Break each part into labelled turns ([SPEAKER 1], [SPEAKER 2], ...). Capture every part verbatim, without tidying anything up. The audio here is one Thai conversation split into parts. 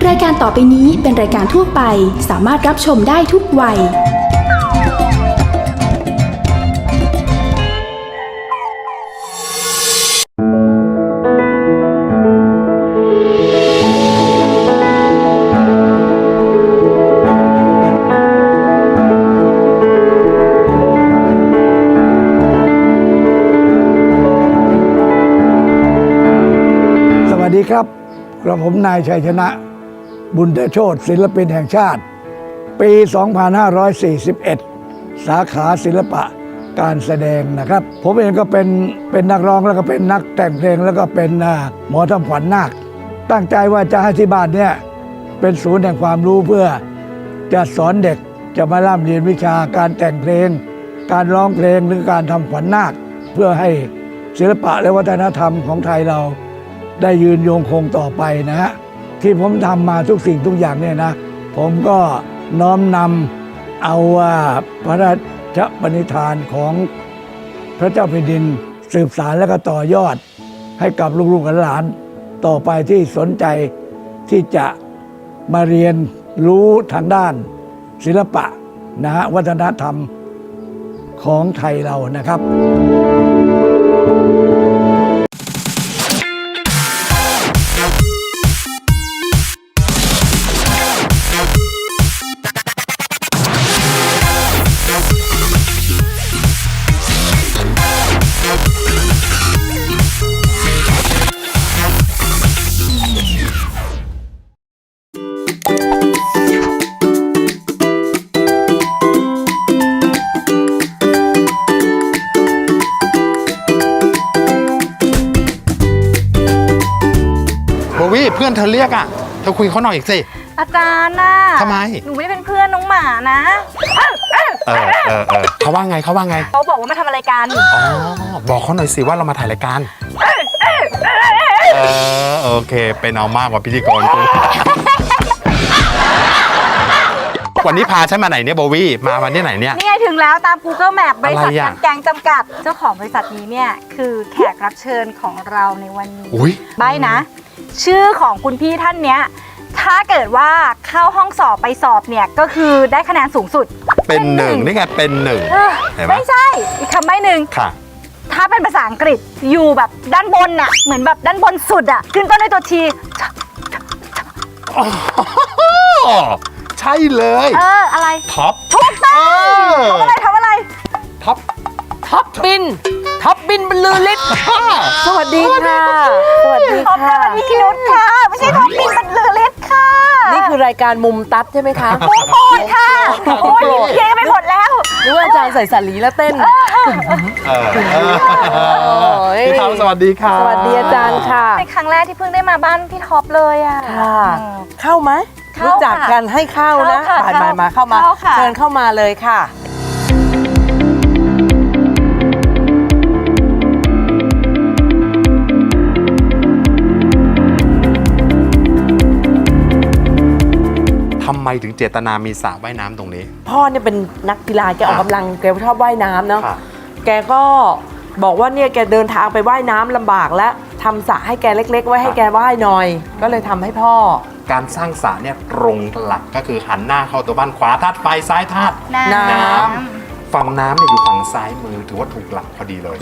[SPEAKER 1] รายการต่อไปนี้เป็นรายการทั่วไปสามารถรับชมได้ทุกวัย
[SPEAKER 2] สวัสดีครับกระผมนายชัยชนะบุญเดชโชติศิลปินแห่งชาติปี สองพันห้าร้อยสี่สิบเอ็ด สาขาศิลปะการแสดงนะครับผมเองก็เป็นเป็นนักร้องแล้วก็เป็นนักแต่งเพลงแล้วก็เป็นหมอทำขวัญนาคตั้งใจว่าจะให้ที่บ้านเนี่ยเป็นศูนย์แห่งความรู้เพื่อจะสอนเด็กจะมาร่ำเรียนวิชาการแต่งเพลงการร้องเพลงหรือการทำขวัญนาคเพื่อให้ศิลปะและวัฒนธรรมของไทยเราได้ยืนยงคงต่อไปนะฮะที่ผมทำมาทุกสิ่งทุกอย่างเนี่ยนะผมก็น้อมนำเอาพระราชปณิธานของพระเจ้าแผ่นดินสืบสานและก็ต่อยอดให้กับลูกๆหลานต่อไปที่สนใจที่จะมาเรียนรู้ทางด้านศิลปะนะฮะวัฒนธรรมของไทยเรานะครับ
[SPEAKER 3] โบวี่เพื่อนเธอเรียกอ่ะเธอคุยเขาหน่อยอีกสิ
[SPEAKER 4] อาจารย์น่ะ
[SPEAKER 3] ทำไม
[SPEAKER 4] หนูไม่ได้เป็นเพื่อนน้องหมานะ
[SPEAKER 3] เออเออเออเออเขาว่าไงเขาว่าไง
[SPEAKER 4] เขาบอกว่ามาทำอะไรกัน
[SPEAKER 3] อ๋อบอกเขาหน่อยสิว่าเรามาถ่ายรายการเออโอเคเป็นเอามากกว่าพิธีกรกูวันนี้พาฉันมาไหนเนี่ยโบวี่มาวันที่ไหนเนี่ย
[SPEAKER 4] นี่ไงถึงแล้วตาม Google Map บริษัทการแกงจำกัดเจ้าของบริษัทนี้เนี่ยคือแขกรับเชิญของเราในวันนี้ใบนะชื่อของคุณพี่ท่านเนี้ยถ้าเกิดว่าเข้าห้องสอบไปสอบเนี่ยก็คือได้คะแนนสูงสุด
[SPEAKER 3] เป็นหนึ่งนี่ไงเป็นหนึ่ง
[SPEAKER 4] ไม่ใช่อีกคำใบ้หนึ่ง
[SPEAKER 3] ค่ะ
[SPEAKER 4] ถ้าเป็นภาษาอังกฤษอยู่แบบด้านบนน่ะเหมือนแบบด้านบนสุดอ่ะขึ้นต้นด้วยตัวที
[SPEAKER 3] ใช่เลย
[SPEAKER 4] เอออะไร
[SPEAKER 3] ท็อป
[SPEAKER 4] ถูกต้องทำอะไรทำอะไร
[SPEAKER 3] ท็อป
[SPEAKER 5] ท็อปบินท็อปบินบรรลือฤทธิ์สวัสดีค่ะสวัสดีค่ะ
[SPEAKER 4] ท็อปบินมีนุชค่ะไม่ใช่ท็อปบินบรรลือฤทธิ์ค่ะ
[SPEAKER 5] นี่คือรายการมุมตัดใช่ไหมคะ
[SPEAKER 4] มุมโปรดค่ะโอ้ยเย้ไปหมดแล้ว
[SPEAKER 5] นึกว่าอาจารย์ใส่สาลีแล้วเต้น
[SPEAKER 3] พี่ท็อปสวัสดีค่ะ
[SPEAKER 5] สวัสดีอาจารย์ค่ะ
[SPEAKER 4] เป็นครั้งแรกที่เพิ่งได้มาบ้านพี่ท็อปเลยอ่ะ
[SPEAKER 5] ค่ะเข้าไหมรู้จักกันให้เข้านะมามามาเข้ามาเชิญเข้ามาเลยค่ะ
[SPEAKER 3] ทำไมถึงเจตนามีสระว่ายน้ำตรงนี้
[SPEAKER 5] พ่อเนี่ยเป็นนักกีฬาแกออกกำลังแกชอบว่ายน้ำเนาะแกก็บอกว่าเนี่ยแกเดินทางไปว่ายน้ำลำบากแล้วทำสระให้แกเล็กๆไว้ให้แกว่ายหน่อยก็เลยทำให้พ่อ
[SPEAKER 3] การสร้างสระเนี่ยตรงหลักก็คือหันหน้าเข้าตัวบ้านขวาธาตุไฟซ้ายธาตุ
[SPEAKER 4] น้
[SPEAKER 3] ำฝั่งน้ำเนี่ยอยู่ฝั่งซ้ายมือถือว่าถูกหลักพอดีเลย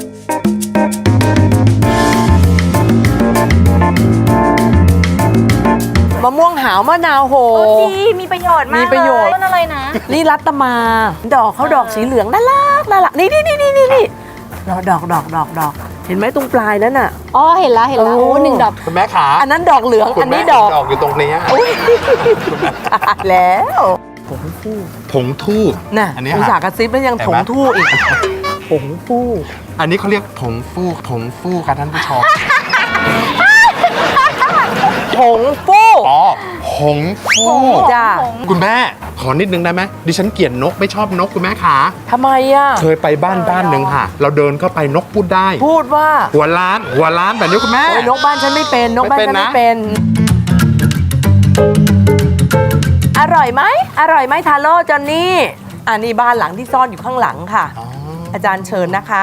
[SPEAKER 5] มะม่วงหาวมะนาวโห
[SPEAKER 4] ดีมีประโยชน์มาก
[SPEAKER 5] มีประโยชน์
[SPEAKER 4] ต้นอะไรนะ
[SPEAKER 5] นี่รัตมาดอกเขาดอกสีเหลืองน่ารักน่ารักนี่นี่นี่นี่นี่ดอกดอกดอกดอกดอกเห็นไหมตรงปลายนั้นน่ะ
[SPEAKER 4] อ๋อเห็นแล้วเห็นแล้วโอ้หนึ่งดอก
[SPEAKER 3] คุณแม่ขา
[SPEAKER 5] อันนั้นดอกเหลืองอันนี้ดอก
[SPEAKER 3] ดอกอยู่ตรงนี้
[SPEAKER 5] แล้วผงฟู่
[SPEAKER 3] ผงทู่
[SPEAKER 5] น่ะอุตส่าห์กระซิบแล้วยังผงทู่อีกผงฟู่
[SPEAKER 3] อันนี้เขาเรียกผงฟู่ผงฟู่ค่ะท่านผู้ชม
[SPEAKER 5] ผงฟู่
[SPEAKER 3] อ๋อผงฟู่
[SPEAKER 5] จ้า
[SPEAKER 3] คุณแม่ขอนิดนึงได้ไหมดิฉันเกลียดนกไม่ชอบนกคุณแม่ขา
[SPEAKER 5] ทำไมอ่ะ
[SPEAKER 3] เคยไปบ้านบ้านหนึ่งค่ะเราเดินเข้าไปนกพูดได้
[SPEAKER 5] พูดว่า
[SPEAKER 3] หัวล้านหัวล้านแบบนี้คุณแม่
[SPEAKER 5] นกบ้านฉันไม่เป็นนกบ้านฉันไม่เป็นอร่อยไหมอร่อยไหมทาโร่จอนนี่อันนี้บ้านหลังที่ซ่อนอยู่ข้างหลังค่ะ อ, อาจารย์เชิญนะคะ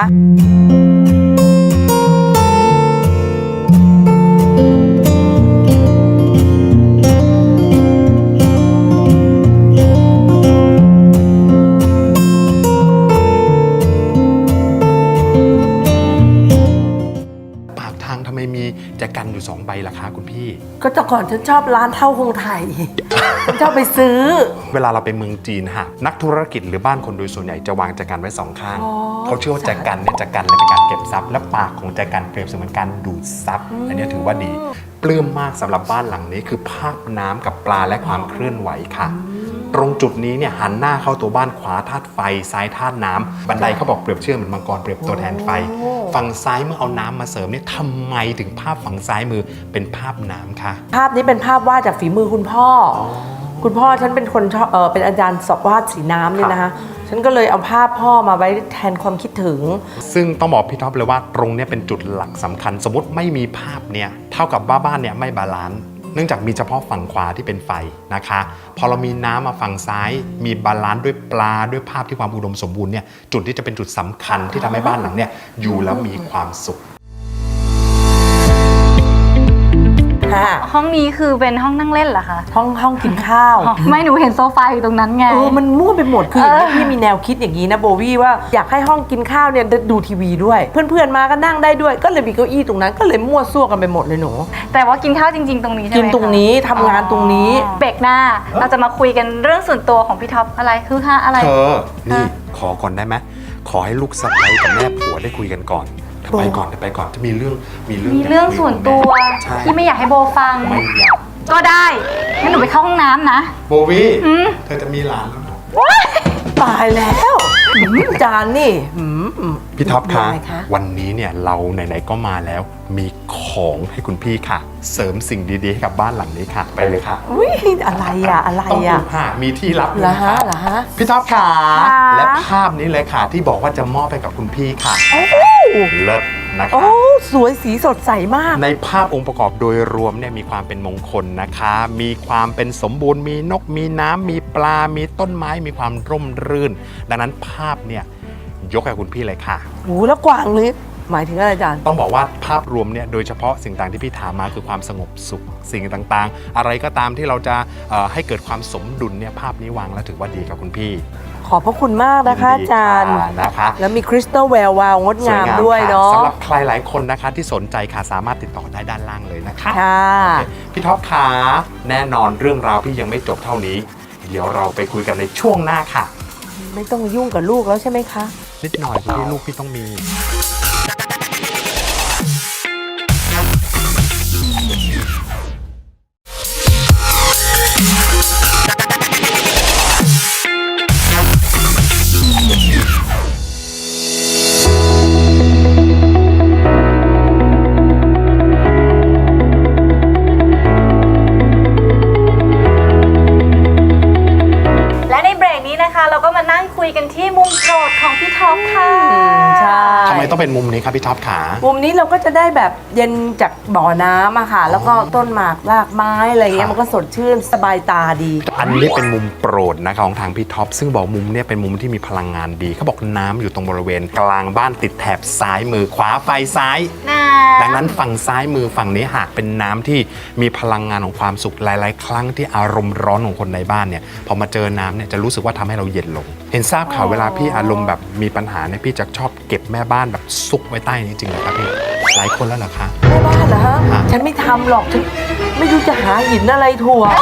[SPEAKER 3] ล่ะคะคุณพี่
[SPEAKER 5] ก็แต่ก่อนฉันชอบร้านเท่าคงไทย ฉันชอบไปซื้อ
[SPEAKER 3] เวลาเราไปเมืองจีนฮะนักธุรกิจหรือบ้านคนโดยส่วนใหญ่จะวางแจกันไว้สองข้าง
[SPEAKER 5] อ๋อ
[SPEAKER 3] เขาเชื่อว่าแจกันเนี่ยจะกันและเป็นการเก็บทรัพย์และปากของแจกันเปรียบเสมือนการดูดซับอันนี้ถือว่าดีปลื้มมากสำหรับบ้านหลังนี้คือภาพน้ำกับปลาและความเคลื่อนไหวค่ะ ตรงจุดนี้เนี่ยหันหน้าเข้าตัวบ้านขวาธาตุไฟซ้ายธาตุน้ำบันไดเขาบอกเปรียบเชื่อเหมือนมังกรเปรียบตัวแทนไฟ ฝั่งซ้ายเมื่อเอาน้ำมาเสริมเนี่ยทำไมถึงภาพฝั่งซ้ายมือเป็นภาพน้ำคะ
[SPEAKER 5] ภาพนี้เป็นภาพวาดจากฝีมือคุณพ่ออคุณพ่อฉันเป็นคนชอบเออเป็นอาจารย์สอบวาดสีน้ำเนี่ยนะคะฉันก็เลยเอาภาพพ่อมาไว้แทนความคิดถึง
[SPEAKER 3] ซึ่งต้องบอกพี่ท็อปเลยว่าตรงเนี้ยเป็นจุดหลักสำคัญ สมมติไม่มีภาพเนี่ยเท่ากับว่าบ้านเนี่ยไม่บาลานซ์เนื่องจากมีเฉพาะฝั่งขวาที่เป็นไฟนะคะพอเรามีน้ำมาฝั่งซ้ายมีบาลานซ์ด้วยปลาด้วยภาพที่ความอุดมสมบูรณ์เนี่ยจุดที่จะเป็นจุดสำคัญที่ทำให้บ้านหลังเนี่ยอยู่แล้วมีความสุข
[SPEAKER 4] ห้องนี้คือเป็นห้องนั่งเล่นเหรอคะ
[SPEAKER 5] ห้องห้องกินข้าว
[SPEAKER 4] อ๋อไม่หนูเห็นโซฟาอยู่ตรงนั้นไง
[SPEAKER 5] เออมันมั่วไปหมดคืออย่างนี้
[SPEAKER 4] เออ
[SPEAKER 5] พี่มีแนวคิดอย่างนี้นะโบวี่ว่าอยากให้ห้องกินข้าวเนี่ยดูทีวีด้วย เพื่อนๆมาก็นั่งได้ด้วยก็เลยมีเก้าอี้ตรงนั้นก็เลยมั่วซั่วกันไปหมดเลยหนู
[SPEAKER 4] แต่ว่ากินข้าวจริง ๆ ตรงนี้ใช่ไหม
[SPEAKER 5] กินตรงนี้ทำงานตรงนี้
[SPEAKER 4] อ๋อเบรกหน้าเราจะมาคุยกันเรื่องส่วนตัวของพี่ท็อปอะไรคือฮะอะไร
[SPEAKER 3] เธอ นี่ขอก่อนได้ไหมขอให้ลูกสะใภ้กับแม่ผัวได้คุยกันก่อนเธอไปก่อนเธอไปก่อนจะมีเรื่องมีเรื่อง
[SPEAKER 4] มีเรื่องส่วนตัว
[SPEAKER 3] ใช่
[SPEAKER 4] ที่ไม่อยากให้โบฟัง
[SPEAKER 3] ไม่อยาก
[SPEAKER 4] ก็ได้งั้นหนูไปเข้าห้องน้ำนะ
[SPEAKER 3] โบวี่
[SPEAKER 4] อืม
[SPEAKER 3] เธอจะมีหลานแล้วนะ
[SPEAKER 5] ตายแล้วหืมจานนี่หืม
[SPEAKER 3] พี่ท็อปคะ
[SPEAKER 5] ยังไงคะ
[SPEAKER 3] วันนี้เนี่ยเราไหนๆก็มาแล้ว มีของให้คุณพี่ค่ะ เสริมสิ่งดีๆให้กับบ้านหลังนี้ค่ะ ไปเลยค่ะ
[SPEAKER 5] อุ้ยอะไรอ่ะอะไร
[SPEAKER 3] ต้องดู
[SPEAKER 5] อ่ะ
[SPEAKER 3] ค่ะมีที่ลับอยู่
[SPEAKER 5] เหรอ
[SPEAKER 3] นะ
[SPEAKER 5] ฮะ
[SPEAKER 3] คะ
[SPEAKER 5] เหรอฮะ
[SPEAKER 3] พี่ท็อปค่ะ
[SPEAKER 4] ค่ะ
[SPEAKER 3] และภาพนี้เลยค่ะ ที่บอกว่าจะมอบให้กับคุณพี่ค่ะเลิศนะ
[SPEAKER 5] โอ้
[SPEAKER 3] คะ
[SPEAKER 5] สวยสีสดใสมาก
[SPEAKER 3] ในภาพองค์ประกอบโดยรวมเนี่ยมีความเป็นมงคลนะคะ มีความเป็นสมบูรณ์ มีนก มีน้ำ มีปลา มีต้นไม้ มีความร่มรื่น ดังนั้นภาพเนี่ยยกให้คุณพี่เลยค่ะ
[SPEAKER 5] โอ้แล้วกวางเลยหมายถึงอะไรอาจารย์
[SPEAKER 3] ต้องบอกว่าภาพรวมเนี่ยโดยเฉพาะสิ่งต่างที่พี่ถามมาคือความสงบสุขสิ่งต่างๆ อะไรก็ตามที่เราจะเอ่อให้เกิดความสมดุลเนี่ยภาพนี้วางแล้วถือว่าดีกับคุณพี่
[SPEAKER 5] ขอบพระคุณมากนะคะอาจารย์
[SPEAKER 3] ดีค่ะนะคะ
[SPEAKER 5] แล้วมีคริสตัลแวววาวงดงามด้วย
[SPEAKER 3] ส
[SPEAKER 5] เนาะ
[SPEAKER 3] สำหรับใครหลายคนนะคะที่สนใจค่ะสามารถติดต่อได้ด้านล่างเลยนะคะ
[SPEAKER 5] ค่ะ
[SPEAKER 3] โอเคพี่ท็อปขาแน่นอนเรื่องราวพี่ยังไม่จบเท่านี้ เดี๋ยวเราไปคุยกันในช่วงหน้าค่ะ
[SPEAKER 5] ไม่ต้องยุ่งกับลูกแล้วใช่ไหมคะ
[SPEAKER 3] นิดหน่อยพี่ลูกพี่ต้องมี
[SPEAKER 4] และในเบรกนี้นะคะ เราก็มานั่งคุยกันที่มุมโปรดของพี่ท็อปค่ะ
[SPEAKER 5] ใช่
[SPEAKER 3] ทำไมต้องเป็นมุมนี้ครับพี่ท็อปขา
[SPEAKER 5] มุมนี้เราก็จะได้แบบเย็นจากบ่อน้ำอะค่ะ แล้วก็ต้นหมากรากไม้อะไรเงี้
[SPEAKER 3] ครั
[SPEAKER 5] ย
[SPEAKER 3] บ
[SPEAKER 5] มันก็สดชื่นสบายตาดี
[SPEAKER 3] อันนี้เป็นมุมโปรดนะคะของทางพี่ท็อปซึ่งบอกมุมเนี่ยเป็นมุมที่มีพลังงานดีเขาบอกน้ำอยู่ตรงบริเวณ กลางบ้านติดแถบซ้ายมือขวาไฟซ้าย
[SPEAKER 4] นะ
[SPEAKER 3] ดังนั้นฝั่งซ้ายมือฝั่งนี้หากเป็นน้ำที่มีพลังงานของความสุขหลาย ๆ ครั้งที่อารมณ์ร้อนของคนในบ้านเนี่ยพอมาเจอน้ำเนี่ยจะรู้สึกว่าทำให้เราเย็นลง เห็นทราบข่าวเวลาพี่อารมณ์แบบมีปัญหาเนี่ยพี่จะชอบเก็บแม่บ้านแบบซุกไว้ใต้นี้จริงเหรอครับพี่หลายคนแล้วเหรอคะ
[SPEAKER 5] แม่บ้านเหรอฮะ
[SPEAKER 3] ฮะ
[SPEAKER 5] ฉันไม่ทำหรอกฉันไม่รู้จะหาหินอะไรถั่ว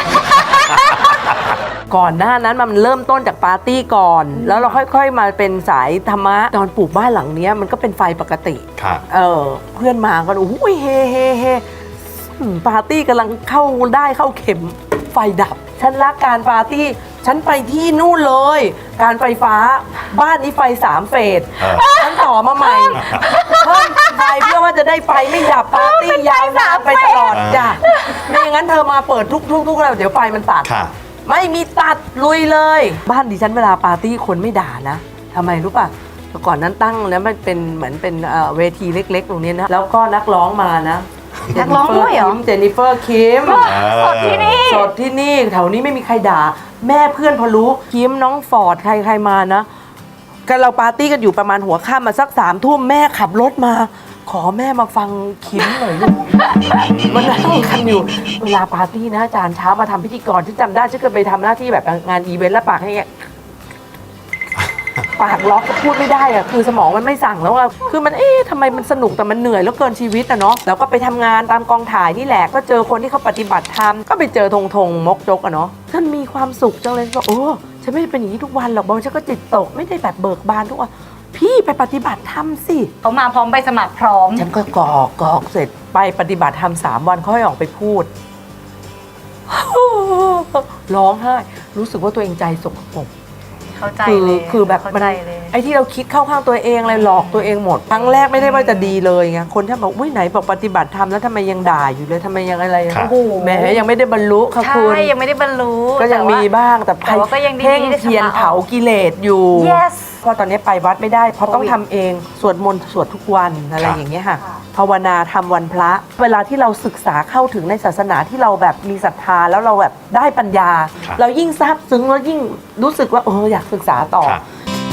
[SPEAKER 5] ก่อนหน้านั้นมันเริ่มต้นจากปาร์ตี้ก่อน แล้วเราค่อยๆมาเป็นสายธรรมะตอนปลูกบ้านหลังเนี้ยมันก็เป็นไฟปกติ
[SPEAKER 3] ค่ะ
[SPEAKER 5] เออเพื่อนมาก็โอ้ยเฮเฮเฮอืมปาร์ตี้กำลังเข้าได้เข้าเข็มไฟดับ ฉันรักการปาร์ตี้ ฉันไปที่นู่นเลย การไฟฟ้าบ้านนี้ไฟสามเฟส
[SPEAKER 3] เออ
[SPEAKER 5] ฉันต่อมาใหม่เพิ่มไฟเพื่อว่าจะได้ไฟไม่ดับปาร์ตี้ยาวนานไปตลอดจ้ะไม่อย่างนั้นเธอมาเปิดทุกๆทุกแล้วเดี๋ยวไฟมันตัด
[SPEAKER 3] ค่ะ
[SPEAKER 5] ไม่มีตัดลุยเลย บ้านดิฉันเวลาปาร์ตี้คนไม่ด่านะทำไมรู้ป่ะแต่ก่อนนั้นตั้งแล้วมันเป็นเหมือนเป็นเอ่อเวทีเล็กๆ ตรงนี้นะ แล้วก็นักร้องมานะ
[SPEAKER 4] นักร้องด้วยเหรอ
[SPEAKER 5] เจนนิเฟอร์คิม
[SPEAKER 4] สดที่นี่
[SPEAKER 5] สดที่นี่แถวนี้ไม่มีใครด่า แม่เพื่อนพอรู้คิมน้องฟอร์ดใครใครมานะกันเราปาร์ตี้กันอยู่ประมาณหัวค่ำมาสักสามทุ่มแม่ขับรถมา ขอแม่มาฟังคิมหน่อยลูก มันนั่งกันอยู่เวลาปาร์ตี้นะอาจารย์เช้ามาทำพิธีกรที่จำได้ฉันเคยไปทำหน้าที่แบบงานอีเวนต์แล้วปากให้เงี้ยปากล็อกพูดไม่ได้อะคือสมองมันไม่สั่งแล้วอะคือมันเอ๊ะทำไมมันสนุกแต่มันเหนื่อยแล้วเกินชีวิตอะเนาะแล้วก็ไปทำงานตามกองถ่ายนี่แหละก็เจอคนที่เขาปฏิบัติธรรมก็ไปเจอธงธงมกจกอะเนาะท่านมีความสุขจังเลยบอกโอ้ฉันไม่ได้เป็นอย่างนี้ทุกวันหรอกบางฉันก็จิตตกไม่ได้แบบเบิกบานทุกวันพี่ไปปฏิบัติธรรมสิ
[SPEAKER 4] เขามาพร้อมใบสมัครพร้อม
[SPEAKER 5] ฉันก็กรอกกรอกเสร็จไปปฏิบัติธรรมสามวันเขาให้ออกไปพูด ร้องไห้รู้สึกว่าตัวเองใจสกปรก
[SPEAKER 4] เข้าใจ
[SPEAKER 5] คือ
[SPEAKER 4] เลย
[SPEAKER 5] คือแบบ
[SPEAKER 4] เข้า
[SPEAKER 5] มัน
[SPEAKER 4] ใจเลย
[SPEAKER 5] ไอ้ที่เราคิดเข้าข้างตัวเองอะไรหลอกตัวเองหมดครั้งแรกไม่ได้ว่าจะดีเลยไงคนที่บอกอุ้ยไหนบอกปฏิบัติธรรมแล้วทำไมยังด่าอยู่เลยทำไมยังอะไร
[SPEAKER 3] ครับ
[SPEAKER 5] โอ้โหแหมยังไม่ได้บรรลุค่ะ
[SPEAKER 4] ใช่
[SPEAKER 5] คุณ
[SPEAKER 4] ยังไม่ได้บรรลุ
[SPEAKER 5] ก็ยัง
[SPEAKER 4] แต่ว่า
[SPEAKER 5] มีบ้างแต่
[SPEAKER 4] แต่ว่าก็ยังดี
[SPEAKER 5] เพ่ง
[SPEAKER 4] ได้
[SPEAKER 5] เทียน
[SPEAKER 4] ชำระออก
[SPEAKER 5] เผากิเลสอยู่
[SPEAKER 4] yes
[SPEAKER 5] เพราะตอนนี้ไปวัดไม่ได้เพราะต้อง
[SPEAKER 4] โควิด
[SPEAKER 5] ทำเองสวดมนต์สวดทุกวันอะไร
[SPEAKER 3] ครับ
[SPEAKER 5] อย่างเงี้ยค่ะภาวนาทำวันพระ เวลาที่เราศึกษาเข้าถึงในศาสนาที่เราแบบมีศรัทธาแล้วเราแบบได้ปัญญา
[SPEAKER 3] ครับ
[SPEAKER 5] เรายิ่งซาบซึ้งแล้วยิ่งรู้สึกว่าเอออยากศึกษาต่อ
[SPEAKER 3] ครับ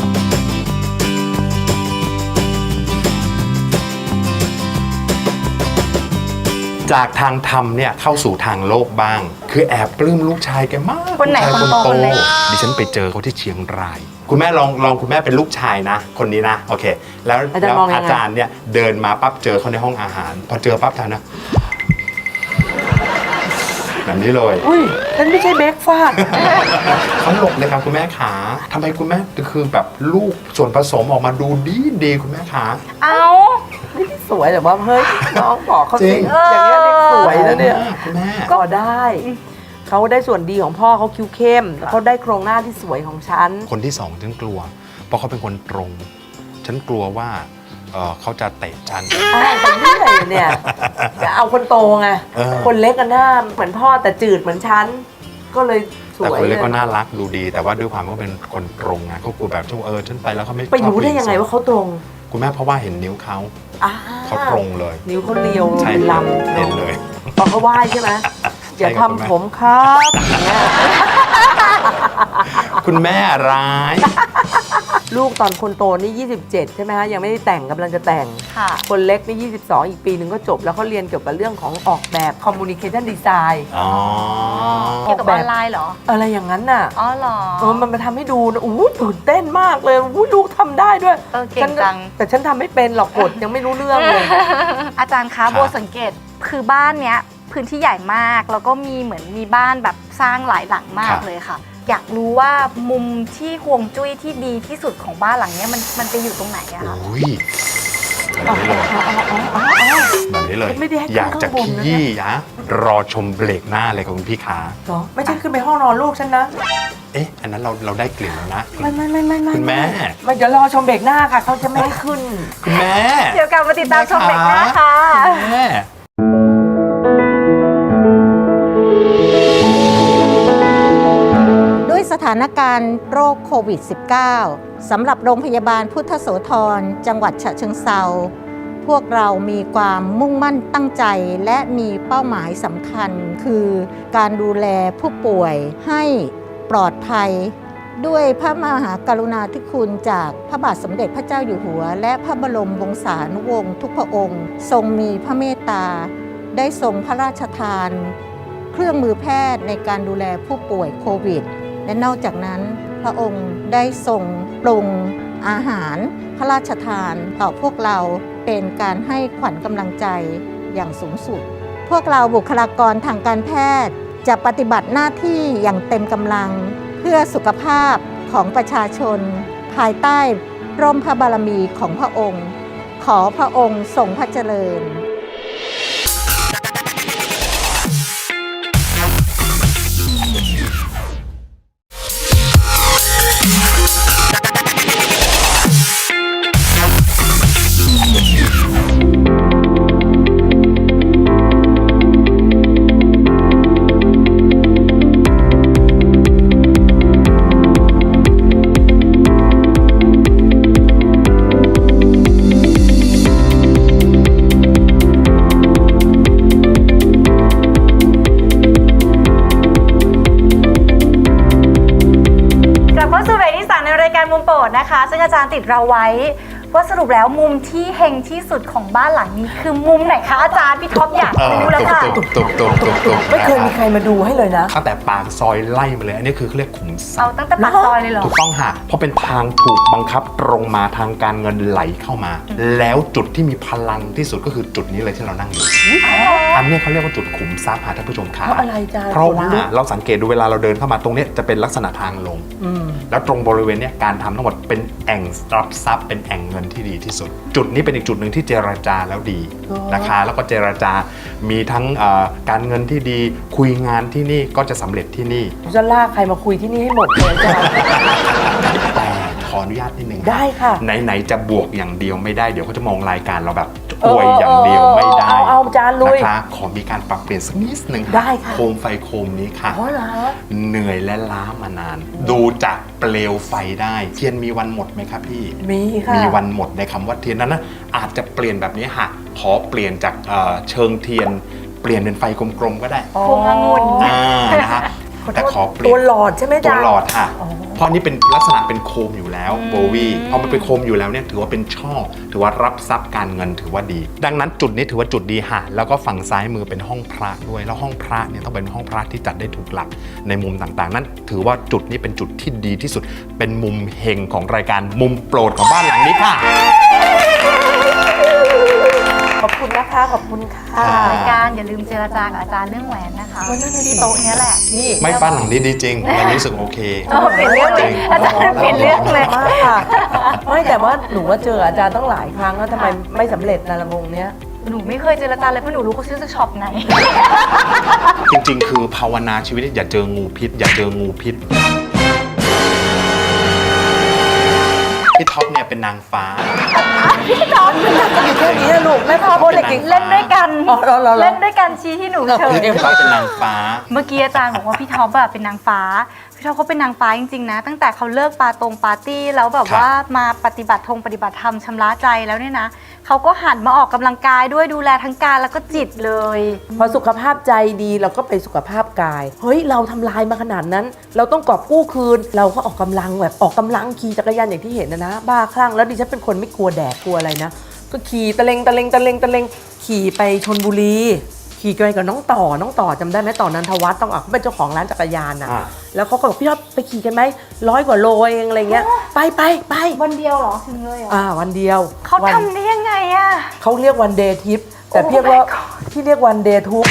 [SPEAKER 3] จากทางธรรมเนี่ยเข้าสู่ทางโลกบ้าง คือแอบปลื้มลูกชายแกมาก
[SPEAKER 4] คนไหน
[SPEAKER 3] ลูกชาย
[SPEAKER 4] คนโตคนเล็ก
[SPEAKER 3] ดิฉันไปเจอเขาที่เชียงราย คุณแม่ลองลองคุณแม่เป็นลูกชายนะ คนนี้นะโอเค แล้ว
[SPEAKER 5] อาจารย์
[SPEAKER 3] แล้ว
[SPEAKER 5] มองยังไง
[SPEAKER 3] อาจารย์เนี่ยเดินมาปั๊บเจอเขาในห้องอาหาร พอเจอปั๊บทานนะแบบนี้เลย
[SPEAKER 5] อุ้ยนั่นไม่ใช่เบรกฟาด
[SPEAKER 3] เขาหลบเลยครับคุณแม่ขาทำไมคุณแม่คือแบบลูกส่วนผสมออกมาดูดีดีคุณแม่ขา
[SPEAKER 4] เอา
[SPEAKER 5] สวยแต่ว่าเฮ้ยน้องบอกเขา
[SPEAKER 3] จริ
[SPEAKER 5] สิ
[SPEAKER 3] ง
[SPEAKER 5] อย่างเงี้ยเด็กสวยนะเนี่ย
[SPEAKER 3] คุณแม่
[SPEAKER 5] ก็ได้ เขาได้ส่วนดีของพ่อเขาคิ้วเข้มแล้วเขาได้โครงหน้าที่สวยของฉัน
[SPEAKER 3] คนที่สองฉันกลัว เพราะเขาเป็นคนตรง ฉันกลัวว่าเอ่อเขาจะเตะฉัน
[SPEAKER 5] อ้าวไปเรื่อยเนี่ยจะเอาคนโตไง
[SPEAKER 3] เออ
[SPEAKER 5] คนเล็กกันหน้าเหมือนพ่อแต่จืดเหมือนฉัน ก็เลยส
[SPEAKER 3] แต่
[SPEAKER 5] วย
[SPEAKER 3] คนเล็กก็
[SPEAKER 5] เลย
[SPEAKER 3] น่ารักดูดี แต่ว่าด้วยความว่าเป็นคนตรงไงเขากลัวแบบช่วงเออฉันไปแล้วเขาไม่
[SPEAKER 5] ไปรู้ได้ยังไงว่าเขาตรง
[SPEAKER 3] คุณแม่เพราะว่าเห็นนิ้วเขา
[SPEAKER 5] อ่า
[SPEAKER 3] เขาตรงเลย
[SPEAKER 5] นิ้วเขาเรียว
[SPEAKER 3] ใช่
[SPEAKER 5] เป็นลำ
[SPEAKER 3] เห็นเลย
[SPEAKER 5] พอเขาไหว้ใช่ไหมอย่า
[SPEAKER 3] ใช่ครับ
[SPEAKER 5] ทำผมครับอย่างเงี้ย
[SPEAKER 3] คุณแม่ร้าย
[SPEAKER 5] ลูกตอนคนโตนี่ยี่สิบเจ็ดใช่ไหมฮะยังไม่ได้แต่งกำลังจะแต่ง
[SPEAKER 4] ค่ะ
[SPEAKER 5] คนเล็กนี่ยี่สิบสองอีกปีหนึ่งก็จบแล้วเขาเรียนเกี่ยวกับเรื่องของออกแบบ communication design
[SPEAKER 3] อ๋อ
[SPEAKER 4] เกี่ยวกับออนไลน์เหรอ
[SPEAKER 5] อะไรอย่างนั้นน่ะ
[SPEAKER 4] อ๋อเหรอ
[SPEAKER 5] เออมันมาทำให้ดูนะอู้ตื่นเต้นมากเลยอู้ลูกทำได้ด้วย
[SPEAKER 4] เออเก่ง
[SPEAKER 5] ฉัน
[SPEAKER 4] จัง
[SPEAKER 5] แต่ฉันทำไม่เป็นหรอกกดยังไม่รู้เรื่องเลย
[SPEAKER 4] อาจารย์คะโบสังเกตคือบ้านเนี้ยพื้นที่ใหญ่มากแล้วก็มีเหมือนมีบ้านแบบสร้างหลายหลังมากเลยค่ะ อยากรู้ว่ามุมที่ห่วงจุ้ยที่ดีที่สุดของบ้านหลังเนี้ยมันมันไปอยู่ตรงไหนอะคะ
[SPEAKER 3] โอ้ยแบบนี้เลยแบบนี้เลย
[SPEAKER 5] ไม่ได้ให้ขึ้น
[SPEAKER 3] อยากจะ
[SPEAKER 5] ข้างบนนะ
[SPEAKER 3] ขี้ยะรอชมเบรกหน้าเลยครับคุณพี่ขา
[SPEAKER 5] เหรอไม่ใช่ขึ้นไปห้องนอนลูกฉันนะ
[SPEAKER 3] เอ๊ะ อันนั้นเราเราได้กลิ่นแล้วนะ
[SPEAKER 5] ไม่ไม่ไม่ไม่ไม่
[SPEAKER 3] คุณแม่
[SPEAKER 5] ไม่เดี๋ยวรอชมเบรกหน้าค่ะเขาจะไม่ให้ขึ้น
[SPEAKER 3] คุณแม่
[SPEAKER 4] เดี๋ยวกลับมาติดตามชมเบรกหน้าค่ะ
[SPEAKER 3] คุณแม่
[SPEAKER 6] ด้วยสถานการณ์โรคโควิด สิบเก้า สำหรับโรงพยาบาลพุทธโสธรจังหวัดฉะเชิงเทราพวกเรามีความมุ่งมั่นตั้งใจและมีเป้าหมายสำคัญ คือการดูแลผู้ป่วยให้ปลอดภัย ด้วยพระมหากรุณาธิคุณจากพระบาทสมเด็จพระเจ้าอยู่หัว และพระบรมวงศานุวงศ์ทุกพระองค์ ทรงมีพระเมตตา ได้ทรงพระราชทาน เครื่องมือแพทย์ในการดูแลผู้ป่วยโควิด และนอกจากนั้นพระองค์ได้ทรงปรุงอาหารพระราชทานต่อพวกเราเป็นการให้ขวัญกำลังใจอย่างสูงสุด พวกเราบุคลากรทางการแพทย์จะปฏิบัติหน้าที่อย่างเต็มกำลังเพื่อสุขภาพของประชาชน ภายใต้ร่มพระบารมีของพระองค์ ขอพระองค์ทรงพระเจริญ
[SPEAKER 4] กลับเข้าสู่เบรกที่สามในรายการมุมโปรดนะคะ ซึ่งอาจารย์ติดเราไว้ว่าสรุปแล้วมุมที่เฮงที่สุดของบ้านหลังนี้คือมุมไหนคะอาจารย์พี่ท็อปอยาก
[SPEAKER 3] เออ
[SPEAKER 4] รู้เลยค่ะ
[SPEAKER 3] ตุบตุบตุบตุบตุบ
[SPEAKER 5] ไม่เคยมีใครมาดูให้เลยนะ
[SPEAKER 3] ตั้งแต่ปากซอยไล่มาเลย อันนี้คือเขาเรียกขุมทรั
[SPEAKER 4] เอา
[SPEAKER 3] พย์
[SPEAKER 4] ตั้งแต่ปากซอยเลยเหรอ
[SPEAKER 3] ถูกต้องค่ะเพราะเป็นทางถูกบังคับตรงมาทางการเงินไหลเข้ามา แล้วจุดที่มีพลังที่สุดก็คือจุดนี้เลยที่เรานั่งอยู่ อันนี้เขาเรียกว่าจุดขุมทรัพย์ค่ะท่านผู้ชมค่ะ
[SPEAKER 5] เพราะอะไรจ๊ะ
[SPEAKER 3] เพราะว่า
[SPEAKER 5] ขนลุก
[SPEAKER 3] เราสังเกตดูเวลาเราเดินเข้ามาตรงเนี้ยจะเป็นลักษณะทางลง
[SPEAKER 5] อืม
[SPEAKER 3] แล้วตรงบริเวณเนี้ยการทำทั้งหมดเป็นแอ่งรับทรัพย์เป็นแอ่งเงินที่ดีที่สุด จุดนี้เป็นอีกจุดหนึ่งที่เจรจาแล้วดี
[SPEAKER 5] อ๋อ
[SPEAKER 3] นะคะ แล้วก็เจรจา มีทั้งเอ่อการเงินที่ดีคุยงานที่นี่ก็จะสำเร็จที่นี่
[SPEAKER 5] จะลากใครมาคุยที่นี่ให้หมดเลยจ้ะ
[SPEAKER 3] แต่ขออนุญาตนิดนึง
[SPEAKER 5] ได้ค่ะ
[SPEAKER 3] ไหนๆจะบวกอย่างเดียวไม่ได้เดี๋ยวเขาจะมองรายการเราแบบอวยอย่างเดียวไม่ได้
[SPEAKER 5] เอาเอาจานลุย
[SPEAKER 3] นะคะขอมีการปรับเปลี่ยนสักนิดนึง
[SPEAKER 5] ได้ค่ะ
[SPEAKER 3] โคมไฟโคมนี้ค่ะ
[SPEAKER 5] อ๋อเหรอ
[SPEAKER 3] เหนื่อยและล้ามานาน ดูจากเปลวไฟได้เทียนมีวันหมดไหมครับพี่
[SPEAKER 5] มีค่ะ
[SPEAKER 3] มีวันหมดในคำว่าเทียนนั้นนะอาจจะเปลี่ยนแบบนี้ค่ะขอเปลี่ยนจากเอ่อเชิงเทียน เปลี่ยนเป็นไฟกลมๆก็ได้
[SPEAKER 4] พวงองุ่น
[SPEAKER 3] อ่านะคะแต่ขอเปลี่
[SPEAKER 5] ตั
[SPEAKER 3] ยน
[SPEAKER 5] วหลอดใช่ไหม
[SPEAKER 3] ตัว
[SPEAKER 5] จ๊ะ
[SPEAKER 3] หลอดค่ะ
[SPEAKER 5] อ๋อ
[SPEAKER 3] เพราะนี่เป็นลักษณะเป็นโคมอยู่แล้วโบวี่พอมันเป็นโคมอยู่แล้วเนี่ยถือว่าเป็นช่อถือว่ารับทรัพย์การเงินถือว่าดี ดังนั้นจุดนี้ถือว่าจุดดีค่ะแล้วก็ฝั่งซ้ายมือเป็นห้องพระด้วยแล้วห้องพระเนี่ยต้องเป็นห้องพระที่จัดได้ถูกหลักในมุมต่างๆ นั้นถือว่าจุดนี้เป็นจุดที่ดีที่สุด เป็นมุมเฮงของรายการมุมโปรดของบ้านหลังนี้ค่ะ
[SPEAKER 5] ขอบคุณนะคะ ขอบคุณค่ะ
[SPEAKER 4] รายการอย่าลืมเจรจากับอาจารย์เรื่องแหวนนะคะที่โต๊ะเนี้ยแหละ
[SPEAKER 5] นี่
[SPEAKER 3] ไม่บ้านหลังนี้ดีจริงวันนี้รู้สึกโอเค
[SPEAKER 4] เออเปลี่ยนเรื่องเลยอาจารย์เปลี่ยนเรื่องเลย
[SPEAKER 5] มากค่ะ ไม่แต่ว่าหนูว่าเจออาจารย์ต้องหลายครั้งแล้วทำไมไม่สำเร็จนะละวงเนี้ย
[SPEAKER 4] หนูไม่เคยเจรจาเลยเพราะหนูรู้เขาซื้อจากช็อปไหน
[SPEAKER 3] จริงๆ คือภาวนาชีวิตอย่าเจองูพิษ อย่าเจองูพิษพี่ท็อปเนี่ยเป็นนางฟ้า
[SPEAKER 5] อยู่แค่นี้ลูกแม่พ่อโคตรเด็ก
[SPEAKER 4] เล่นด้วยกัน
[SPEAKER 5] อ๋อเหรอเหรอเหรอ
[SPEAKER 4] เล่นด้วยกันชี้ที่หนูเฉย
[SPEAKER 3] พี่ท็อปเป็นนางฟ้า
[SPEAKER 4] เมื่อกี้อาจารย์บอกว่าพี่ท็อปอะเป็นนางฟ้า พี่ท็อปเขาเป็นนางฟ้าจริงๆนะ ตั้งแต่เขาเลิกปาตรงปาร์ตี้แล้วแบบ
[SPEAKER 3] ครับ
[SPEAKER 4] ว่ามาปฏิบัติธงปฏิบัติธรรมชำระใจแล้วเนี่ยนะเขาก็หันมาออกกำลังกายด้วยดูแลทั้งกายแล้วก็จิตเลย
[SPEAKER 5] พอสุขภาพใจดีเราก็ไปสุขภาพกาย เฮ้ยเราทำลายมาขนาดนั้น เราต้องกอบกู้คืน เราก็ออกกำลังแบบออกกำลังขี่จักรยานอย่างที่เห็นนะนะบ้าคลั่งแล้วดิฉันเป็นคนไม่กลัวแดดกลัวอะไรนะ ก็ขี่ตะเลงตะเลงตะเลงตะเลงขี่ไปชนบุรี ขี่ไปกับน้องต่อน้องต่อจำได้ไหมต่อนันทวัฒน์ต้องอ่ะเขาเป็นเจ้าของร้านจักรยานอ่ะ
[SPEAKER 3] อ่า
[SPEAKER 5] แล้วเขาก็บอกพี่ท็อปไปขี่กันไหมร้อยกว่าโลเองอะไรเงี้ยไปไปไป
[SPEAKER 4] วันเดียวเหรอถึงเลยเหรอ
[SPEAKER 5] อ่าวันเดียว
[SPEAKER 4] เขา
[SPEAKER 5] วัน
[SPEAKER 4] ทำได้ยังไงอะ
[SPEAKER 5] เขาเรียกวันเดย์ทิปแต่
[SPEAKER 4] Oh
[SPEAKER 5] เรียกว่า
[SPEAKER 4] my god
[SPEAKER 5] ที่เรียกวันเดย์ทุก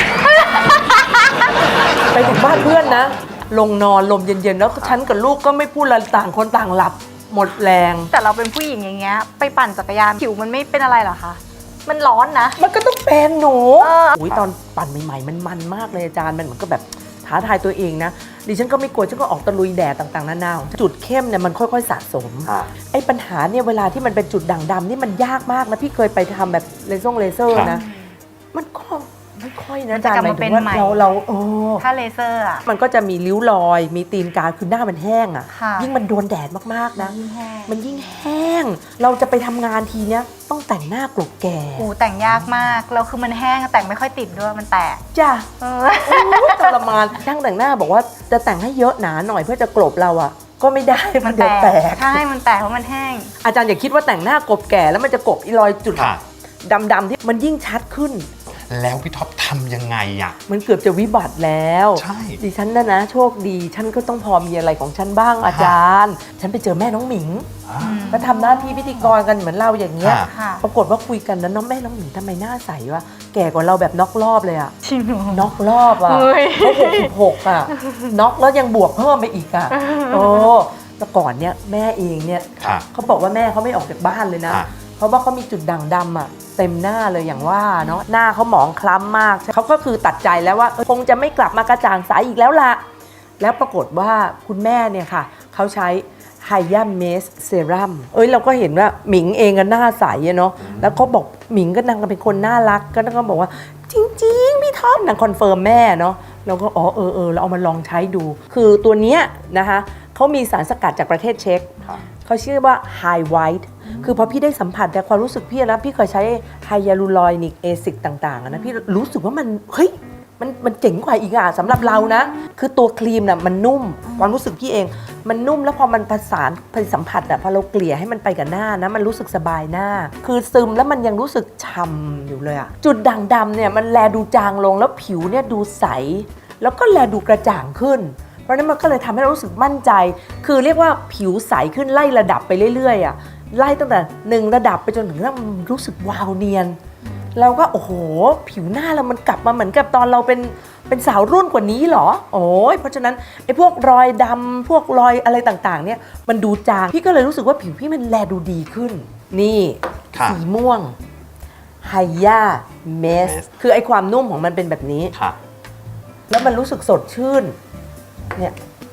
[SPEAKER 5] ไปถึงบ้านเพื่อนนะ ลงนอนลมเย็นๆ แล้วฉันกับลูกก็ไม่พูดอะไรต่างคนต่างหลับ หมดแรง
[SPEAKER 4] แต่เราเป็นผู้หญิงอย่างเงี้ยไปปั่นจักรยานผิวมันไม่เป็นอะไรเหรอคะมันร้อนนะ
[SPEAKER 5] มันก็ต้องเป็นหนู
[SPEAKER 4] เออ
[SPEAKER 5] อุ้ยตอนปั่นใหม่ๆ มันมันมากเลยอาจารย์มันเหมือนก็แบบท้าทายตัวเองนะ ดิฉันก็ไม่กลัวฉันก็ออกตะลุยแดดต่างๆนานาจุดเข้มเนี่ยมันค่อยๆสะสม ไอ้ปัญหาเนี่ยเวลาที่มันเป็นจุดด่างดำนี่มันยากมากนะพี่เคยไปทำแบบเลเซอร์เลเซอร์
[SPEAKER 3] ครับ
[SPEAKER 5] นะ มันก็ไม่ค่อยนะ
[SPEAKER 4] มัน
[SPEAKER 5] อา
[SPEAKER 4] จะ
[SPEAKER 5] จารย์
[SPEAKER 4] กลับ
[SPEAKER 5] หมาย
[SPEAKER 4] มา
[SPEAKER 5] ถึงว่า
[SPEAKER 4] เป็นใหม่
[SPEAKER 5] เราเราโอ้
[SPEAKER 4] ถ้าเลเซอร์อะ
[SPEAKER 5] มันก็จะมีริ้วรอย มีตีนกาคือหน้ามันแห้งอ่ะ
[SPEAKER 4] ค่ะ
[SPEAKER 5] ยิ่งมันโดนแดดมากๆนะ
[SPEAKER 4] ยิ่งแห้ง
[SPEAKER 5] มันยิ่งแห้ง เราจะไปทำงานทีเนี้ยต้องแต่งหน้ากลบแก่
[SPEAKER 4] โอ้แต่งยากมากแล้วคือมันแห้งแต่งไม่ค่อยติดด้วยมันแตก
[SPEAKER 5] จ้ะ
[SPEAKER 4] เออ
[SPEAKER 5] โอ้ยทรมานช่างแต่งหน้าบอกว่าจะแต่งให้เยอะหนาหน่อยเพื่อจะกลบเราอ่ะ ก็ไม่ได้
[SPEAKER 4] มั
[SPEAKER 5] มัน
[SPEAKER 4] น
[SPEAKER 5] เดี๋ยว
[SPEAKER 4] แต
[SPEAKER 5] แต
[SPEAKER 4] ก
[SPEAKER 5] ก
[SPEAKER 4] ใช่มันแตกเพราะมันแห้ง
[SPEAKER 5] อาจารย์อย่าคิดว่าแต่งหน้ากลบแก่แล้วมันจะกลบอีรอยจุด
[SPEAKER 3] ค่ะ
[SPEAKER 5] ดำๆที่มันยิ่งชัดขึ้น
[SPEAKER 3] แล้วพี่ท็อปทำยังไงอ่ะ
[SPEAKER 5] มันเกือบจะวิบัติแล้ว
[SPEAKER 3] ใช่
[SPEAKER 5] ดิฉันนะนะโชคดี ฉันก็ต้องพอมีอะไรของฉันบ้างอาจารย์ ฉันไปเจอแม่น้องหมิง ก็ทำหน้าที่พิธีกรกันเหมือนเราอย่างเงี้ย
[SPEAKER 3] ค่ะ
[SPEAKER 4] ค่ะ
[SPEAKER 5] ปรากฏว่าคุยกันแล้วน้องแม่น้องหมิงทำไมหน้าใสวะ แก่กว่าเราแบบน็อกรอบเลยอะ
[SPEAKER 4] จริงเหรอ
[SPEAKER 5] น็อกรอบอะ
[SPEAKER 4] เฮ้ย
[SPEAKER 5] เขาหกสิบหกอะน็อกแล้วยังบวกเพิ่มไปอีกอะโอ้แต่ก่อนเนี่ยแม่เองเนี่ย
[SPEAKER 3] ค่ะ
[SPEAKER 5] เขาบอกว่าแม่เขาไม่ออกจากบ้านเลยนะ
[SPEAKER 3] ค่ะ
[SPEAKER 5] เพราะว่าเขามีจุดด่างดำอะเต็มหน้าเลยอย่างว่าเนาะหน้าเขาหมองคล้ำมากเขาก็คือตัดใจแล้วว่าเออคงจะไม่กลับมากระจ่างใสอีกแล้วล่ะ แล้วปรากฏว่าคุณแม่เนี่ยค่ะเขาใช้ไฮยาเมสเซรั่มเอ้ยเราก็เห็นว่าหมิงเองก็หน้าใสอะเนาะแล้วเขาบอกหมิงก็นางก็เป็นคนน่ารักก็นางก็บอกว่าจริงๆพี่ท็อปนางคอนเฟิร์มแม่เนาะเราก็อ๋อเออเออเราเอามาลองใช้ดู คือตัวเนี้ยนะคะเขามีสารสกัดจากประเทศเช็กเขาชื่อว่า High White คือพอพี่ได้สัมผัสแต่ความรู้สึกพี่นะพี่เคยใช้ไฮยาลูรอนิกแอซิดต่างๆอะนะพี่รู้สึกว่ามันเฮ้ยมันมันเจ๋งกว่าอีกอ่ะสำหรับเรานะ คือตัวครีมน่ะมันนุ่มความรู้สึกพี่เอง มันนุ่มแล้วพอมันผสานผสัมผัสอ่ะพอเราเกลี่ยให้มันไปกับหน้านะมันรู้สึกสบายหน้า คือซึมแล้วมันยังรู้สึกฉ่ำอยู่เลยอ่ะจุดด่างดำเนี่ยมันแลดูจางลงแล้วผิวเนี่ยดูใส แล้วก็แลดูกระจ่างขึ้น เพราะฉะนั้นมันก็เลยทำให้เรารู้สึกมั่นใจ คือเรียกว่าผิวใสขึ้นไล่ระดับไปเรื่อยๆอ่ะไล่ตั้งแต่หนึ่งระดับไปจนถึงมันรู้สึกวาวเนียนเราก็โอ้โหผิวหน้าเรามันกลับมาเหมือนกับตอนเราเป็นเป็นสาวรุ่นกว่านี้เหรอโอ้ยเพราะฉะนั้นไอ้พวกรอยดำพวกรอยอะไรต่างๆเนี่ยมันดูจางพี่ก็เลยรู้สึกว่าผิวพี่มันแลดูดีขึ้นนี่
[SPEAKER 3] ค่ะ
[SPEAKER 5] สีม่วงไฮย่าเมสคือไอ้ความนุ่มของมันเป็นแบบนี้
[SPEAKER 3] ค่ะ
[SPEAKER 5] แล้วมันรู้สึกสดชื่นเนี่ย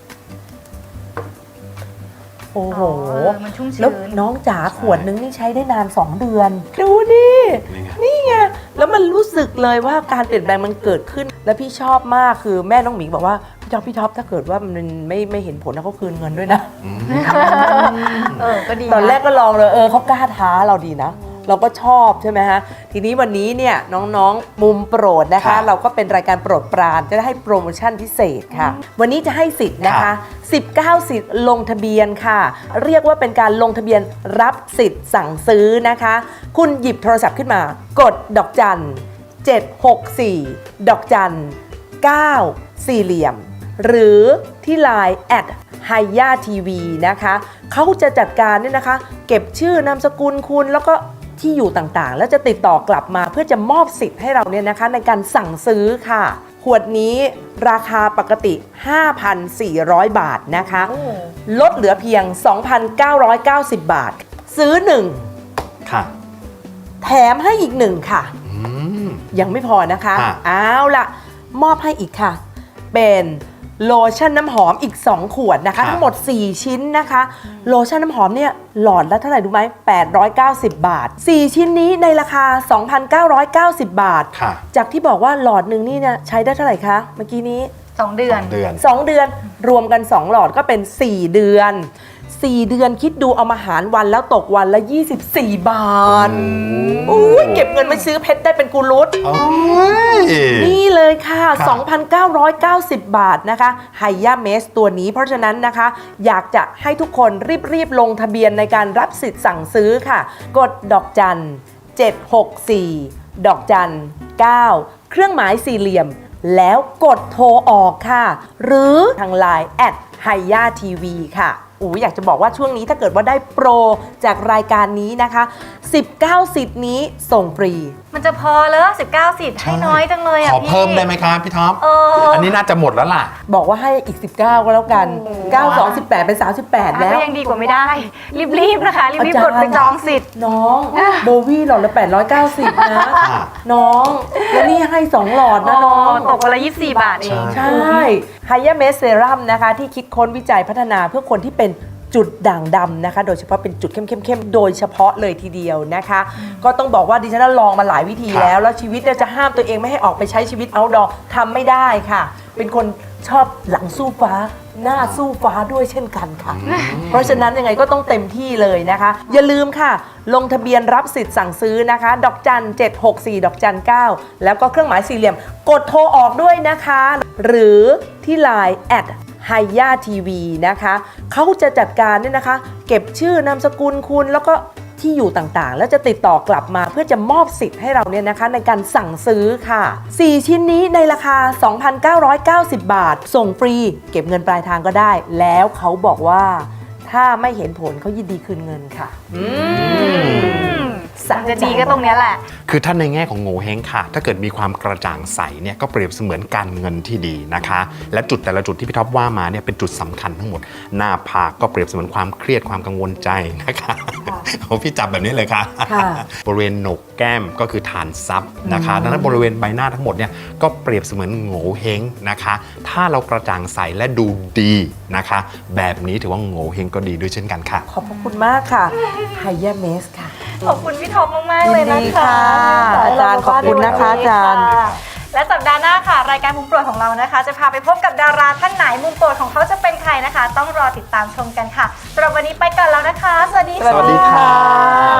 [SPEAKER 5] โอ้โห
[SPEAKER 4] เออมันชุ่มชื้น
[SPEAKER 5] แล้วน้องจ๋าขวดนึงนี่ใช้ได้นาน สอง เดือน ดูดิ
[SPEAKER 3] นี่ไง
[SPEAKER 5] นี่ไง แล้วมันรู้สึกเลยว่าการเปลี่ยนแปลงมันเกิดขึ้น แล้วพี่ชอบมากคือแม่น้องหมิงบอกว่า พี่ท็อปพี่ท็อปถ้าเกิดว่ามันไม่ไม่เห็นผลนะเขาคืนเงินด้วยนะ
[SPEAKER 4] เออก็ดีะ
[SPEAKER 5] ตอนแรกก็ลองเลยเออเขากล้าท้าเราดีนะ เราก็ชอบใช่ไหมฮะ ทีนี้วันนี้เนี่ยน้องๆมุมโปรดนะคะ
[SPEAKER 3] ค่ะ
[SPEAKER 5] เราก็เป็นรายการโปรดปรานจะได้ให้โปรโมชั่นพิเศษค่ะ วันนี้จะให้สิทธิ์นะคะ
[SPEAKER 3] ค่ะ
[SPEAKER 5] สิบเก้า สิทธิ์ลงทะเบียนค่ะ เรียกว่าเป็นการลงทะเบียนรับสิทธิ์สั่งซื้อนะคะ คุณหยิบโทรศัพท์ขึ้นมา กดดอกจันเจ็ดหกสี่ดอกจันเก้าสี่เหลี่ยม หรือที่ ไลน์ แอท ไฮย่าทีวี นะคะเขาจะจัดการเนี่ยนะคะ เก็บชื่อนามสกุลคุณแล้วก็ที่อยู่ต่างๆ แล้วจะติดต่อกลับมาเพื่อจะมอบสิทธิ์ให้เราเนี่ยนะคะในการสั่งซื้อค่ะ ขวดนี้ราคาปกติ ห้าพันสี่ร้อย บาทนะคะ ลดเหลือเพียง สองพันเก้าร้อยเก้าสิบ บาท ซื้อหนึ่ง
[SPEAKER 3] ค่ะ
[SPEAKER 5] แถมให้อีกหนึ่งค่ะ
[SPEAKER 3] อืม
[SPEAKER 5] ยังไม่พอนะคะ
[SPEAKER 3] ค่ะ
[SPEAKER 5] เอาล่ะ มอบให้อีกค่ะ เป็นโลชั่นน้ำหอมอีก สอง ขวดนะคะ ทั้งหมด สี่ ชิ้นนะคะ โลชั่นน้ำหอมเนี่ยหลอดละเท่าไหร่รู้ไหมแปดร้อยเก้าสิบ บาท สี่ ชิ้นนี้ในราคา สองพันเก้าร้อยเก้าสิบ บาท
[SPEAKER 3] ค่ะ
[SPEAKER 5] จากที่บอกว่าหลอดหนึ่งนี่เนี่ยใช้ได้เท่าไหร่คะ เมื่อกี้นี้
[SPEAKER 4] สองเดือน
[SPEAKER 3] เดือน
[SPEAKER 5] สอง เดือนรวมกัน สอง หลอดก็เป็น สี่ เดือน สี่ เดือนคิดดูเอามาหารวันแล้วตกวันละ ยี่สิบสี่ บาทอุ้ยเก็บเงินไปซื้อเพชรได้เป็นกุลุต
[SPEAKER 3] โอ้ย
[SPEAKER 5] นี่เลยค่ะ
[SPEAKER 3] ค่ะ
[SPEAKER 5] สองพันเก้าร้อยเก้าสิบ บาทนะคะไฮย่าเมสตัวนี้เพราะฉะนั้นนะคะ อยากจะให้ทุกคนรีบๆลงทะเบียนในการรับสิทธิ์สั่งซื้อค่ะ กดดอกจันเจ็ดหกสี่ดอกจันเก้าเครื่องหมายสี่เหลี่ยม แล้วกดโทรออกค่ะ หรือทาง ไลน์ แอท ไฮย่าทีวี ค่ะอูอยากจะบอกว่าช่วงนี้ถ้าเกิดว่าได้โปรจากรายการนี้นะคะ สิบเก้า สิทธิ์นี้ส่งฟรี
[SPEAKER 4] มันจะพอเลยสิบเก้าสิทธิ์ให้น้อยจังเลยอ่ะ
[SPEAKER 3] ขอ
[SPEAKER 4] พี่
[SPEAKER 3] เพิ่มได้ไหมครับพี่ท็อป
[SPEAKER 4] เอออั
[SPEAKER 3] อันนี้น่าจะหมดแล้วล่ะ
[SPEAKER 5] บอกว่าให้อีก สิบเก้า ก็แล้วกัน เก้า สอง สิบแปด เป็น สามสิบแปด แล้ว
[SPEAKER 4] ก็ยังดีกว่าไม่ได้ รีบๆนะคะ รีบๆกดไปจองสิทธิ์
[SPEAKER 5] น้องโบวี่หลอดละแปดร้อยเก้าสิบ นะ
[SPEAKER 3] ค่ะ
[SPEAKER 5] น้อง แล้วนี่ให้ สอง หลอดนะน้อง
[SPEAKER 4] ตกวันละยี่สิบสี่บาทเอง
[SPEAKER 5] ใช่ไฮยาเมสเซรั่มนะคะ ที่คิดค้นวิจัยพัฒนาเพื่อคนที่เป็นจุดด่างดำนะคะ โดยเฉพาะเป็นจุดเข้มๆๆโดยเฉพาะเลยทีเดียวนะคะ ก็ต้องบอกว่าดิฉันลองมาหลายวิธี
[SPEAKER 3] ครับ
[SPEAKER 5] แล้ว แล้วชีวิตเนี่ยจะห้ามตัวเองไม่ให้ออกไปใช้ชีวิตเอาท์ดอร์ทำไม่ได้ค่ะ เป็นคนชอบหลังสู้ฟ้า หน้าสู้ฟ้าด้วยเช่นกันค่ะ เพราะฉะนั้นยังไงก็ต้องเต็มที่เลยนะคะ อย่าลืมค่ะ ลงทะเบียนรับสิทธิ์สั่งซื้อนะคะ ดอกจันเจ็ดหกสี่ดอกจันเก้าแล้วก็เครื่องหมายสี่เหลี่ยม กดโทรออกด้วยนะคะ หรือที่ ไลน์ แอท ไฮย่าทีวี นะคะเขาจะจัดการเนี่ยนะคะ เก็บชื่อนามสกุลคุณแล้วก็ที่อยู่ต่างๆ แล้วจะติดต่อกลับมาเพื่อจะมอบสิทธิ์ให้เราเนี่ยนะคะในการสั่งซื้อค่ะ สี่ ชิ้นนี้ในราคา สองพันเก้าร้อยเก้าสิบ บาท ส่งฟรี เก็บเงินปลายทางก็ได้ แล้วเขาบอกว่าถ้าไม่เห็นผลเขายินดีคืนเงินค่ะ อืม
[SPEAKER 4] มันจะดีก็ตรงเนี้ยแหละ
[SPEAKER 3] คือท่านในแง่ของโง่เฮงค่ะ ถ้าเกิดมีความกระจ่างใสเนี่ยก็เปรียบเสมือนการเงินที่ดีนะคะ และจุดแต่ละจุดที่พี่ท็อปว่ามาเนี่ยเป็นจุดสำคัญทั้งหมด หน้าผากก็เปรียบเสมือนความเครียดความกังวลใจนะคะโอ้พี่จับแบบนี้เลยค่ะ
[SPEAKER 5] ค่ะ
[SPEAKER 3] บริเวณโหนกแก้มก็คือฐานซับนะคะดังนั้นบริเวณใบหน้าทั้งหมดเนี่ยก็เปรียบเสมือนโง่เฮงนะคะ ถ้าเรากระจ่างใสและดูดีนะคะ แบบนี้ถือว่าโง่เฮงก็ดีด้วยเช่นกันค่ะ
[SPEAKER 5] ขอบพระคุณมากค่ะไฮยาเมสค่ะ
[SPEAKER 4] ขอบคุณพี่ท็อปมาก ๆ เลยนะ
[SPEAKER 5] ยินดี
[SPEAKER 4] คะ
[SPEAKER 5] ค่ะอาจารย์ขอบคุณนะคะอาจารย์
[SPEAKER 4] และสัปดาห์หน้าค่ะ รายการมุมโปรดของเรานะคะ จะพาไปพบกับดาราท่านไหนมุมโปรดของเขาจะเป็นใครนะคะ ต้องรอติดตามชมกันค่ะสำหรับวันนี้ไปก่อนแล้วนะคะ สวัสดี
[SPEAKER 3] สวัสดีค่ะ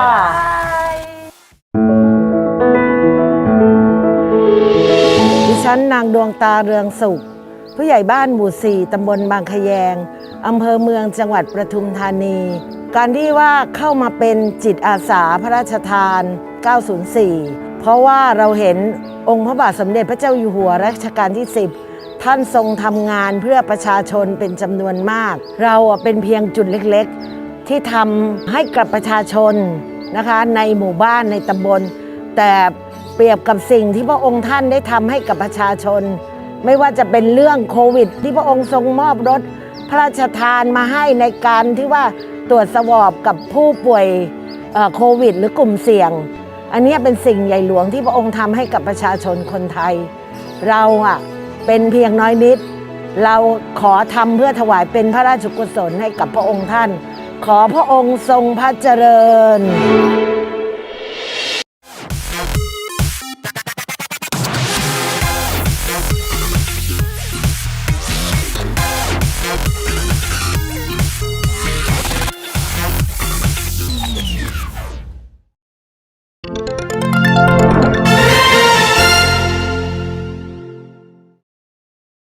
[SPEAKER 4] บ๊ายบาย
[SPEAKER 5] ดิฉัน
[SPEAKER 7] นนางดวงตาเรืองสุขผู้ใหญ่บ้านหมู่สี่ตำบลบางขยงอำเภอเมืองจังหวัดปทุมธานี การที่ว่าเข้ามาเป็นจิตอาสาพระราชทานเก้าศูนย์สี่ เพราะว่าเราเห็นองค์พระบาทสมเด็จพระเจ้าอยู่หัวรัชกาลที่สิบท่านทรงทำงานเพื่อประชาชนเป็นจำนวนมาก เราเป็นเพียงจุดเล็กๆที่ทำให้กับประชาชนนะคะในหมู่บ้านในตำบลแต่เปรียบกับสิ่งที่พระองค์ท่านได้ทำให้กับประชาชนไม่ว่าจะเป็นเรื่องโควิดที่พระองค์ทรงมอบรถพระราชทานมาให้ในการที่ว่าตรวจสวอปกับผู้ป่วยโควิดหรือกลุ่มเสี่ยงอันนี้เป็นสิ่งใหญ่หลวงที่พระองค์ทำให้กับประชาชนคนไทยเราอ่ะเป็นเพียงน้อยนิดเราขอทำเพื่อถวายเป็นพระราชกุศลให้กับพระองค์ท่านขอพระองค์ทรงพระเจริญ